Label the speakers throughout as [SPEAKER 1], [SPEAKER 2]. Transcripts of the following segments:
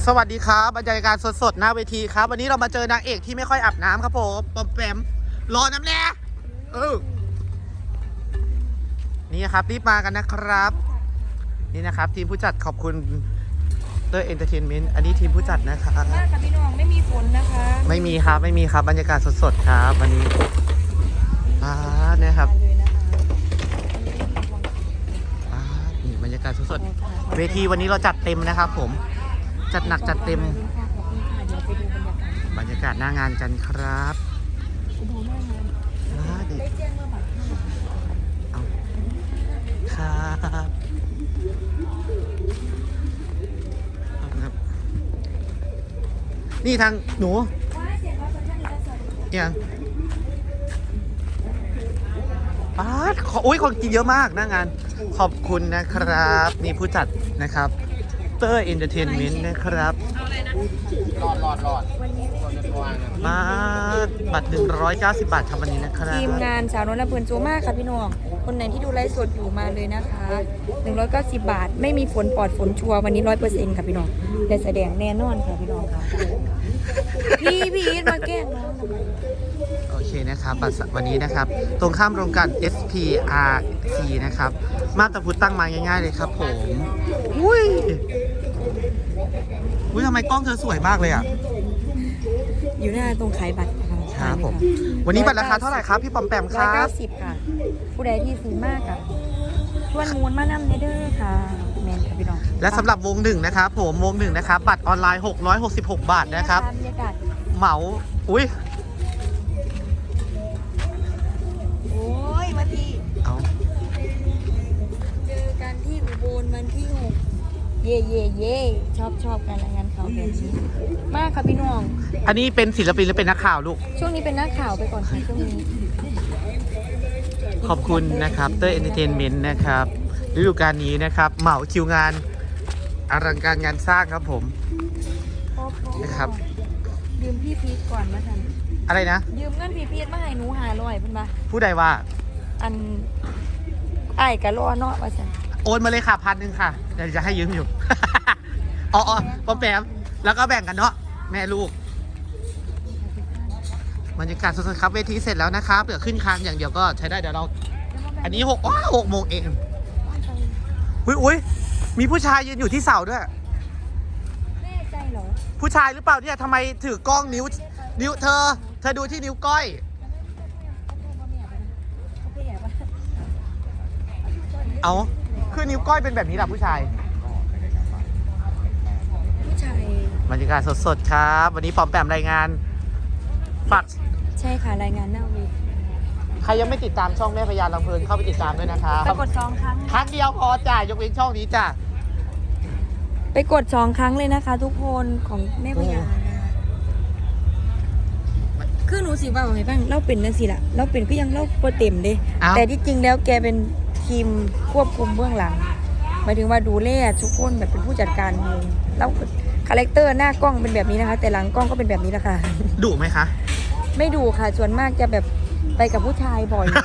[SPEAKER 1] สวัสดีครับบรรยากาศสดๆหน้าเวทีครับวันนี้เรามาเจอนางเอกที่ไม่ค่อยอาบน้ำครับผมปอมแปมรอน้ำแน่นี่ครับรีบมากันนะครับนี่นะครับทีมผู้จัดขอบคุณเตอร์เอนเตอร์เทนเมนต์อันนี้ทีมผู้จัดนะครับ
[SPEAKER 2] มากค่ะพี่น้องไม่มีฝนนะคะ
[SPEAKER 1] ไม่มีครับบรรยากาศสดๆครับวันนี้เนี่ยครับนี่บรรยากาศสดๆเวทีวันนี้เราจัดเต็มนะครับผมจัดหนักจัดเต็มบรรยากาศหน้างานกันครับ
[SPEAKER 2] ได้แจ้งว่าบัตร
[SPEAKER 1] เอาครับนี่ทางหนูยังคนกินเยอะมากหน้างานขอบคุณนะครับนี่ผู้จัดนะครับเตอร์เอนเตอร์เทนเมนต์นะครับรอดมาบัตร190 บาทครับวันนี้นะครับ
[SPEAKER 2] ทีมงานสาวนวลเพลินโจมากค่ะพี่น้องคนไหนที่ดูไลฟ์สดอยู่มาเลยนะคะ190 บาทไม่มีฝนปลอดฝนชัวร์วันนี้ 100% ค่ะพี่น้องได้แสดงแน่นอนค่ะพี่น้องค่ะพี่มาแกล้งน้อง
[SPEAKER 1] โอเคนะครับวันนี้นะครับตรงข้ามโรงกลั่น SPRC นะครับมาบตาพุธตั้งมาง่ายๆเลยครับผมอุ้ยทำไมกล้องเธอสวยมากเลยอ่ะ
[SPEAKER 2] อยู่หน้าตรงขายบัตร
[SPEAKER 1] ครับผมวันนี้บัตรราคาเท่าไหร่ครับพี่ปอมแปมครับ
[SPEAKER 2] 190ค่ะผู้ใดที่ซื้อมากค่ะชวนมูลมานำเนเดอร์ค่ะแมนค่ะพี่น้อง
[SPEAKER 1] และสำหรับวงหนึ่งนะครับผมวงหนึ่งนะครับบัตรออนไลน์666 บาทนะครับเหมาอุ้ย
[SPEAKER 2] มาที
[SPEAKER 1] เอา
[SPEAKER 2] เจอกันที่อุบลวันที่6เย่ชอบการรายงานข่าวแบบนี้มากค่ะพี่น้อง
[SPEAKER 1] อันนี้เป็นศิลปินหรือเป็นนักข่าวลูก
[SPEAKER 2] ช่วงนี้เป็นนักข่าวไปก่อนค่ะช่วงนี้
[SPEAKER 1] ขอบคุณนะครับเตอร์เอนเตอร์เทนเมนต์นะครับฤดูกาลนี้นะครับเหมาคิวงานอลังการงานสร้างครับผมนะครับ
[SPEAKER 2] ยืมพี่พีทก่อนมาทัน
[SPEAKER 1] อะไรนะ
[SPEAKER 2] ยืมเงินพี่พีทมาให้หนู500เพิ่นมา
[SPEAKER 1] ผู้ใดว่า
[SPEAKER 2] อันไอ้กะรอเนาะว่าซั่น
[SPEAKER 1] โอนมาเลยค่ะ1,000ค่ะเดี๋ยวจะให้ยืมอยู่อ๋อปอมแปมแล้วก็แบ่งกันเนาะแม่ลูกบรรยากาศสดๆครับเวทีเสร็จแล้วนะครับเหลือขึ้นคานอย่างเดียวก็ใช้ได้เดี๋ยวเราอันนี้6 โมงเองอุ้ยมีผู้ชายยืนอยู่ที่เสาด้วย
[SPEAKER 2] แน่ใจเหรอ
[SPEAKER 1] ผู้ชายหรือเปล่าเนี่ยทำไมถือกล้องนิ้วเธอดูที่นิ้วก้อยเอาคือนิ้วก้อยเป็นแบบนี้แหละผู้ชายบรรยากาศสดๆครับวันนี้ปอมแปมรายงานปัด
[SPEAKER 2] ใช่ค่ะรายงานหน้าวี
[SPEAKER 1] ใครยังไม่ติดตามช่องแม่พญาลำเพลินเข้าไปติดตามด้วยนะคะ
[SPEAKER 2] ไปกด2 ครั้ง
[SPEAKER 1] ครั้งเดียวพอจ้ะยกเว้นช่องนี้จ้ะ
[SPEAKER 2] ไปกด2 ครั้งเลยนะคะทุกคนของแม่พญาคือหนูสิว่าไงบ้างเราเป็นนั่นสิล่ะเราเป็นก็ยังเราโปรเต็มเด้แต่ที่จริงแล้วแกเป็นทีมควบคุมเบื้องหลังหมายถึงว่าดูแลทุกคนแบบเป็นผู้จัดการวงแล้วคาแรคเตอร์หน้ากล้องเป็นแบบนี้นะคะแต่หลังกล้องก็เป็นแบบนี้แหละค่ะ
[SPEAKER 1] ดุไหมคะ
[SPEAKER 2] ไม่ดุค่ะส่วนมากจะแบบไปกับผู้ชายบ่อย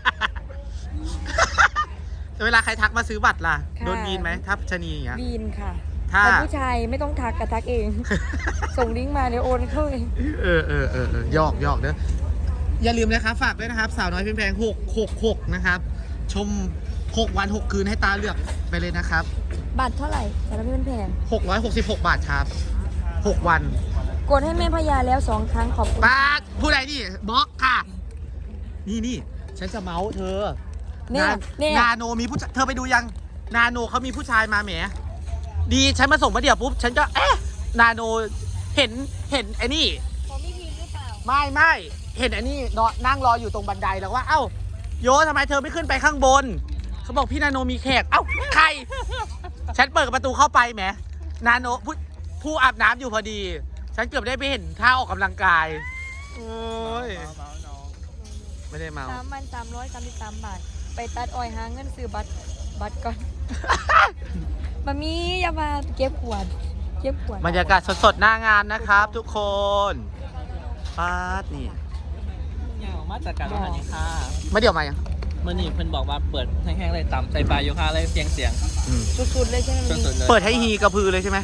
[SPEAKER 1] เวลาใครทักมาซื้อบัตรล่ะโดนบีนไหมทับชนีอย่างเงี้ย
[SPEAKER 2] บีนค่ะแต่ผู้ชายไม่ต้องทักกับทักเองส่งลิงก์มาเดี๋ยวโอนเข้าเอง
[SPEAKER 1] ยอกเด้ออย่าลืมนะครับฝากด้วยนะครับสาวน้อยเพียงแพง666นะครับชม6 วัน 6 คืนให้ตาเลือกไปเลยนะครับ
[SPEAKER 2] บัตรเท่าไหร่สาวน้อยเพียงแพง
[SPEAKER 1] 666 บาทครับ6 วัน
[SPEAKER 2] กดให้แม่พญาแล้ว2 ครั้งขอบคุณ
[SPEAKER 1] ป้าผู้ใดนี่บล็อกค่ะนี่ฉันจะเมาส์เธอ
[SPEAKER 2] เนี่ย
[SPEAKER 1] นาโนมีผู้เธอไปดูยังนาโนเขามีผู้ชายมาแหมดีฉันมาส่งมาเดี๋ยวปุ๊บฉันก็นาโนเห็นไอ้นี่
[SPEAKER 2] ของพี่พีหรือเปล่า
[SPEAKER 1] ไม่เห็นไอ้นี่นั่งรออยู่ตรงบันไดแล้วว่าเอ้าโยทำไมเธอไม่ขึ้นไปข้างบนเขาบอกพี่นาโนมีแขกเอ้าใครฉันเปิดประตูเข้าไปแหมนาโนผู้อาบน้ำอยู่พอดีฉันเกือบได้ไปเห็นท่าออกกำลังกายโอ้ยไม่ได้เมา
[SPEAKER 2] 3,333 บาทไปตัดอ้อยหาเงินซื้อบัตรก่อนมามีอย่ามาเก็บขวด
[SPEAKER 1] บรรยากาศสดๆหน้างานนะครับทุกคนป๊าดนี่
[SPEAKER 3] มาจากการพันธ์ค่ะ
[SPEAKER 1] ไม่เดี๋ยวมายัง
[SPEAKER 3] เมื่อนี้เพิ่นบอกว่าเปิดแห้งๆเลยต่ำใส่ปลาโยคะเลยเสียง
[SPEAKER 2] สุดๆเลยใช่ไหม
[SPEAKER 1] เปิดให้ฮีกระพือเลยใช่ไหม
[SPEAKER 3] ให้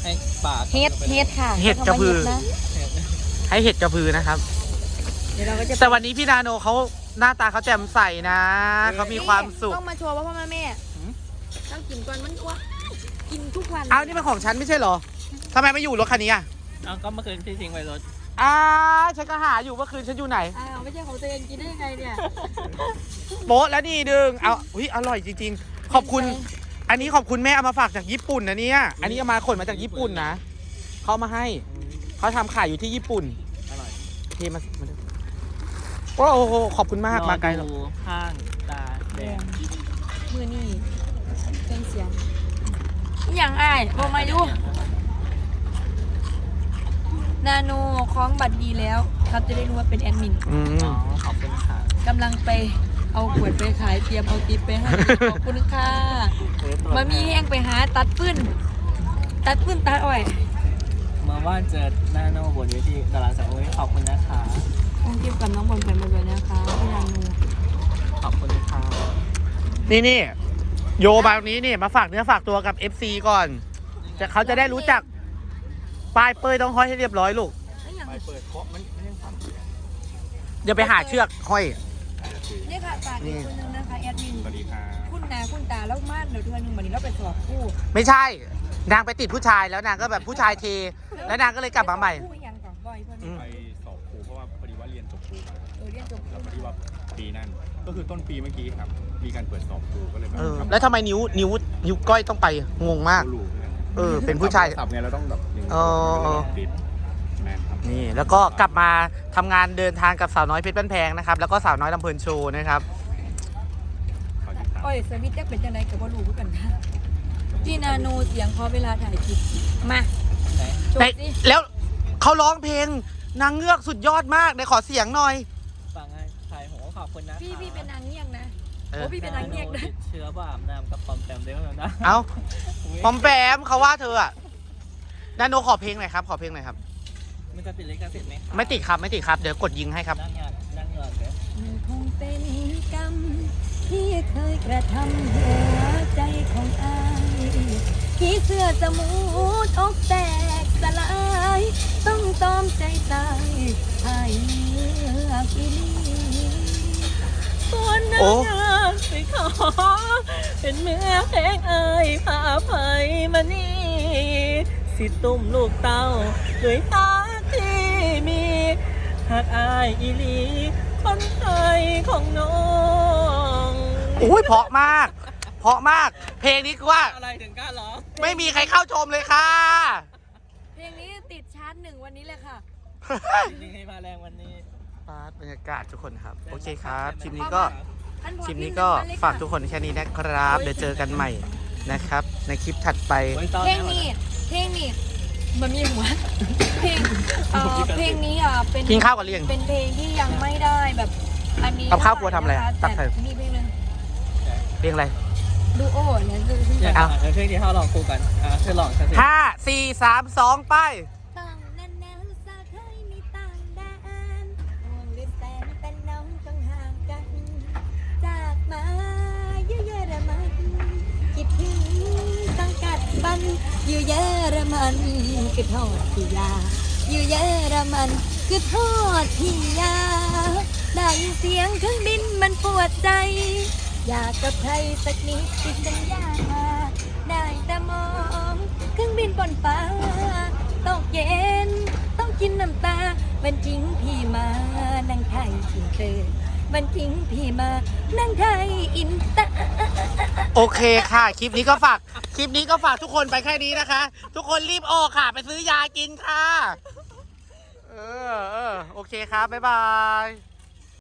[SPEAKER 3] ให้ปาก
[SPEAKER 2] เฮ็ดค่ะ
[SPEAKER 1] เห็ดกระพือ
[SPEAKER 2] นะ
[SPEAKER 1] ให้เห็ดกระพือนะครับ
[SPEAKER 2] เดี๋ยวเราก็จะ
[SPEAKER 1] แต่วันนี้พี่นาโนเขาหน้าตาเขาแจ่มใสนะเขามีความสุข
[SPEAKER 2] ต้องมาโชว์ว่าพ่อแม่ต้องกินก่อนมันอ้วนกินทุกวัน
[SPEAKER 1] เอานี่เป็นของฉันไม่ใช่เหรอทำไมไม่อยู่รถคันนี้อ่ะ
[SPEAKER 3] เอาก็เมื่อคืนที่ทิ้งไว้รถ
[SPEAKER 1] ฉันก็หาอยู่เมื่อคืนฉันอยู่ไหน
[SPEAKER 2] อ้าวไม่ใช่ของตัวเองกินได้ยังไงเนี่ย
[SPEAKER 1] โป๊ะแล้วนี่ดึงเอาอุ้ยอร่อยจริงๆ ขอบคุณ อันนี้ขอบคุณแม่เอามาฝากจากญี่ปุ่นนะเนี่ยอันนี้เอามาขนมาจากญี่ปุ่นนะเขาเอามาให้เขาทำขายอยู่ที่ญี่ปุ่น
[SPEAKER 3] อร่อย
[SPEAKER 1] เทมาดูโอ้โหขอบคุณมากมาไกล
[SPEAKER 3] ร
[SPEAKER 1] แล้
[SPEAKER 3] อ
[SPEAKER 1] ว
[SPEAKER 3] ดูข้างตาแดง
[SPEAKER 2] มือนี่เครื่องเสียงอหย่างอ้ายบอกมาดูนาโนคล้องบัตรดีแล้วครับจะได้รู้ว่าเป็นแอดมิน
[SPEAKER 1] อืม
[SPEAKER 3] อ๋อขอบคุณค่ะ
[SPEAKER 2] กำลังไปเอาขวดไปขายเตรียมเอาติ๊บไปให้ขอบคุณค่ะมามีแห้งไปหาตัดปื้นตัดอ้อย
[SPEAKER 3] เมื่อว่านเจอหน้าโน่บนเวทีดาราสาวขอบคุณนะคะ
[SPEAKER 2] ต้องเก็บกับน้องบอลไปมาเลยนะคะพี่นาโน
[SPEAKER 3] ขอบคุณค่ะ
[SPEAKER 1] นี่โยมาตรงนี้นี่มาฝากเนื้อฝากตัวกับ FC ก่อนเขาจะได้รู้จักป้ายเป้ยต้องห้อยให้เรียบร้อยลูก
[SPEAKER 4] ไปเปิดเคาะมันยังสั่นอยู่เลย
[SPEAKER 1] เดี๋ยวไปหาเชือกห้อย
[SPEAKER 2] เนี่ยค่ะฝากอีกคนนึงนะคะแอดมิน
[SPEAKER 4] สวัสดีค่ะ
[SPEAKER 2] คุณนาคุณตาแล้วมาเดี๋ยวเดือนหนึงวันนี้เราไปสอบคู่
[SPEAKER 1] ไม่ใช่ นางไปติดผู้ชายแล้วนางก็แบบผู้ชายเท แล้วนางก็เลยกลับมาใหม่
[SPEAKER 2] คู่ยังก่อนบ่อยเพื่อน
[SPEAKER 1] อืม
[SPEAKER 4] ไปสอบครูเพราะว่าพอดีว่าเรียนจบครูมา
[SPEAKER 2] เรียนจบ
[SPEAKER 4] แล้วพอดีว่าปีนั่นก็คือต้นปีเมื่อกี้ครับ มีการเปิดสอบครูก็เลยแบบ
[SPEAKER 1] แล้วทำไมนิ้วก้อยต้องไปงงมาก
[SPEAKER 4] รู้เนี่ย
[SPEAKER 1] เป็นผู้ชาย
[SPEAKER 4] สับไงเราต้องแบบอย่างนี้
[SPEAKER 1] อ๋อ
[SPEAKER 4] ติดแม่ครับ
[SPEAKER 1] นี่แล้วก็กลับมาทำงานเดินทางกับสาวน้อยเพชรบ้านแพงนะครับ แล้วก็สาวน้อยลำเพลินโชว์นะครับ
[SPEAKER 4] ขอติดตาม
[SPEAKER 2] อ้อยสวิตจะเป็นจังไดกับว่ารู้กันค่ะพี่นาโนเสียงพอเวลาถ่ายคลิปมาโช
[SPEAKER 1] ใน
[SPEAKER 2] ว์สิ
[SPEAKER 1] แล้วเขาร้องเพลงนางเงือกสุดยอดมากเดี๋ยวขอเสียงหน่อย
[SPEAKER 3] ฟังให้ใครผมก็ขอบคุณนะคะ
[SPEAKER 2] พี่เป็นนางเงียกนะ
[SPEAKER 1] เออ
[SPEAKER 2] โอ้พี่เป็นนางเงียกนะ
[SPEAKER 3] ติดเชื้อบ้าอาบน้ำกับปอมแปมได้ไหมนะ
[SPEAKER 1] เอ้าปอมแปมเขาว่าเธออะนาโนขอเพลงหน่อยครับขอเพลงหน่อยครับ
[SPEAKER 3] มันจะติดลิขสิทธิ์ไหมคะ
[SPEAKER 1] ไม่ติดครับไม่ติดครับเดี๋ยวกดยิงให้ครับ
[SPEAKER 3] นั่งเงินเดี๋ยว
[SPEAKER 2] มันคงเป็นกรรมที่เคยกระทำหัวใจของอายที่เสื้อสมูทอกแตกสลายต้องตอมใจตายให้เลือกอีลี
[SPEAKER 3] ส่วน
[SPEAKER 1] โอ้
[SPEAKER 3] นางไปขอเป็นเมื่อเพลงเอ่ยพาภัยมานี่สิตุ่มลูกเต้าด้วยตาที่มีหากอายอีหลีคนไทยของน้อง
[SPEAKER 1] อุ้ยเพราะมาก เพราะมาก เพลงนี้คือว่า
[SPEAKER 3] อะไรถึงกล้าร้อง
[SPEAKER 1] ไม่มีใครเข้าชมเลยค่ะ
[SPEAKER 2] เพลงนี้ติดชาร์ต1วันนี้เลยค่ะ
[SPEAKER 3] จริงๆให้มาแรงวันนี้
[SPEAKER 1] บรรยากาศทุกคนครับ โอเคครับคลิปนี้ก็
[SPEAKER 2] ท่านพอ
[SPEAKER 1] คลิปนี้
[SPEAKER 2] พี่
[SPEAKER 1] ก็
[SPEAKER 2] หงมเลย
[SPEAKER 1] ฝากทุกคนแค่นี้นะครับ เดี๋ยวเจอกันใหม่นะครับ ในคลิปถัดไป
[SPEAKER 2] เพลงนี้มันมีหัวเพลงเพลงนี้เป็น
[SPEAKER 1] กินข้าวกับเรียง
[SPEAKER 2] เป็นเพลงที่ยังไม่ได้แบบอันนี้
[SPEAKER 1] กับข้าวกลัวทำอะไรอะตั
[SPEAKER 2] แต่
[SPEAKER 1] กใส่
[SPEAKER 2] มีเพลงหนึง
[SPEAKER 1] เพลงอะไร
[SPEAKER 2] ดูโอ้เนี่ยคือ
[SPEAKER 3] อยาก
[SPEAKER 1] เอา
[SPEAKER 3] เดี๋ยวเพลงที่เขาลองคู่กันเธอลองฉันสิ
[SPEAKER 1] 5 4 3 2 ไป
[SPEAKER 2] ต้องแน่นๆสาเคยมีต่างแดนห่วงหรือแสนแต่น้องต้องห่างกัน จากมาเยอะๆระมันคิดถึงสังกัดบันอยู่เยอรมันคือโทษที่ยาอยู่เยอรมันคือโทษที่ยาได้ยินเสียงเครื่องบินมันปวดใจ อยากกับใครสักนิดที่สัญญาได้แต่มองเครื่องบินบนฟ้าตกเย็นต้องกินน้ำตามันทิ้งพี่มานั่งไทยอินเตอร์มันทิ้งพี่มานั่งไทยอินเตอร์
[SPEAKER 1] โอเคค่ะ คลิปนี้ก็ฝากทุกคนไปแค่นี้นะคะ ทุกคนรีบออกค่ะ ไปซื้อยากินค่ะ โอเคครับ บ๊ายบาย